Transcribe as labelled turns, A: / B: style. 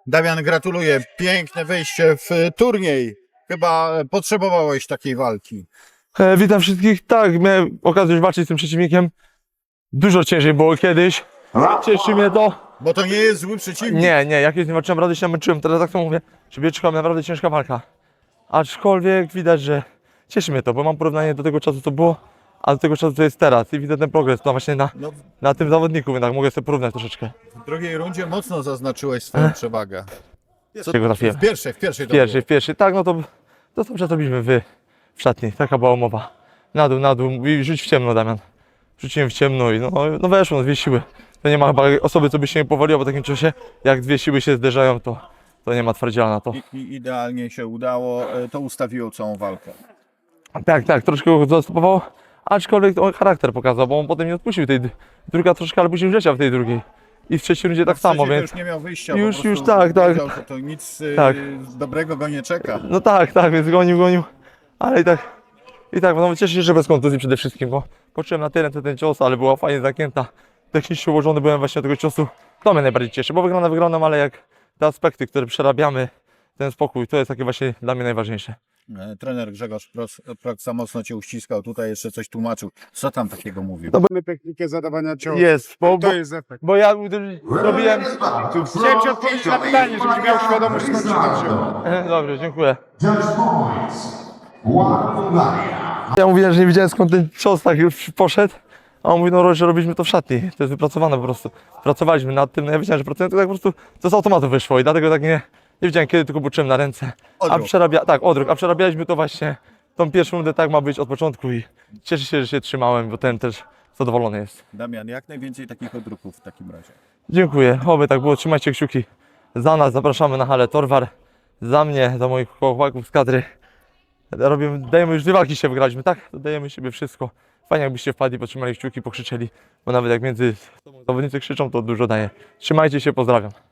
A: Damian, gratuluję. Piękne wejście w turniej. Chyba potrzebowałeś takiej walki.
B: Witam wszystkich. Tak, miałem okazję już walczyć z tym przeciwnikiem. Dużo ciężej było kiedyś. Cieszy mnie to.
A: Bo to nie jest zły przeciwnik.
B: Nie, jak kiedyś nie walczyłem, naprawdę się namęczyłem. Teraz tak samo mówię, że czekała naprawdę ciężka walka. Aczkolwiek widać, że cieszy mnie to, bo mam porównanie do tego czasu, co było, a do tego czasu, co jest teraz. I widzę ten progres no właśnie na tym zawodniku, jednak mogę sobie porównać troszeczkę.
A: W drugiej rundzie mocno zaznaczyłeś swoją przewagę.
B: Czego trafiłem?
A: W pierwszej to było.
B: W pierwszej. Tak, no to dobrze zrobiliśmy w szatni. Taka była umowa. Na dół i rzuć w ciemno, Damian. Rzuciłem w ciemno i no weszło, dwie siły. To nie ma chyba osoby, co by się nie powaliła po takim czasie. Jak dwie siły się zderzają, to nie ma twardziela na to.
A: I idealnie się udało. To ustawiło całą walkę.
B: Tak, troszkę go zastopowało. Aczkolwiek on charakter pokazał, bo on potem nie odpuścił tej druga troszkę, ale później wleciał w tej drugiej. I w trzeciej rundzie tak samo, więc...
A: już nie miał wyjścia,
B: Już
A: po prostu
B: tak.
A: wiedział, że to nic
B: Tak.
A: dobrego go nie czeka.
B: No tak, więc gonił. Ale i tak, no cieszę się, że bez kontuzji przede wszystkim, bo poczułem na tyle ten cios, ale była fajnie zagięta. Technicznie ułożony byłem właśnie do tego ciosu. To mnie najbardziej cieszy, bo wyglądam, ale jak te aspekty, które przerabiamy, ten spokój, to jest takie właśnie dla mnie najważniejsze.
A: Trener Grzegorz Proc za mocno cię uściskał, tutaj jeszcze coś tłumaczył. Co tam takiego mówił?
C: Mamy technikę zadawania ciosów.
B: Jest,
C: To jest efekt.
B: bo ja robiłem...
C: Chciałem ci odpowiedzieć na pytanie, żebyś miał świadomość, skąd się to wzięło.
B: Dobrze, dziękuję.
D: Judge points. Ładownia.
B: Ja mówiłem, że nie wiedziałem, skąd ten cios tak już poszedł. A on mówi, no że robiliśmy to w szatni. To jest wypracowane po prostu. Pracowaliśmy nad tym, no ja wiedziałem, że pracujemy, to tak po prostu to z automatu wyszło i dlatego tak nie wiedziałem kiedy, tylko poczułem na ręce.
A: Odruch.
B: A przerabialiśmy to właśnie tą pierwszą rundę, tak ma być od początku i cieszę się, że się trzymałem, bo ten też zadowolony jest.
A: Damian, jak najwięcej takich odruchów w takim razie.
B: Dziękuję, oby tak było, trzymajcie kciuki za nas, zapraszamy na halę Torwar, za mnie, za moich chłopaków z kadry. Dajemy już dwie walki się wygraliśmy, tak? Dajemy siebie wszystko. Fajnie jakbyście wpadli, potrzymali kciuki, pokrzyczeli, bo nawet jak między sobą zawodnicy krzyczą, to dużo daje. Trzymajcie się, pozdrawiam.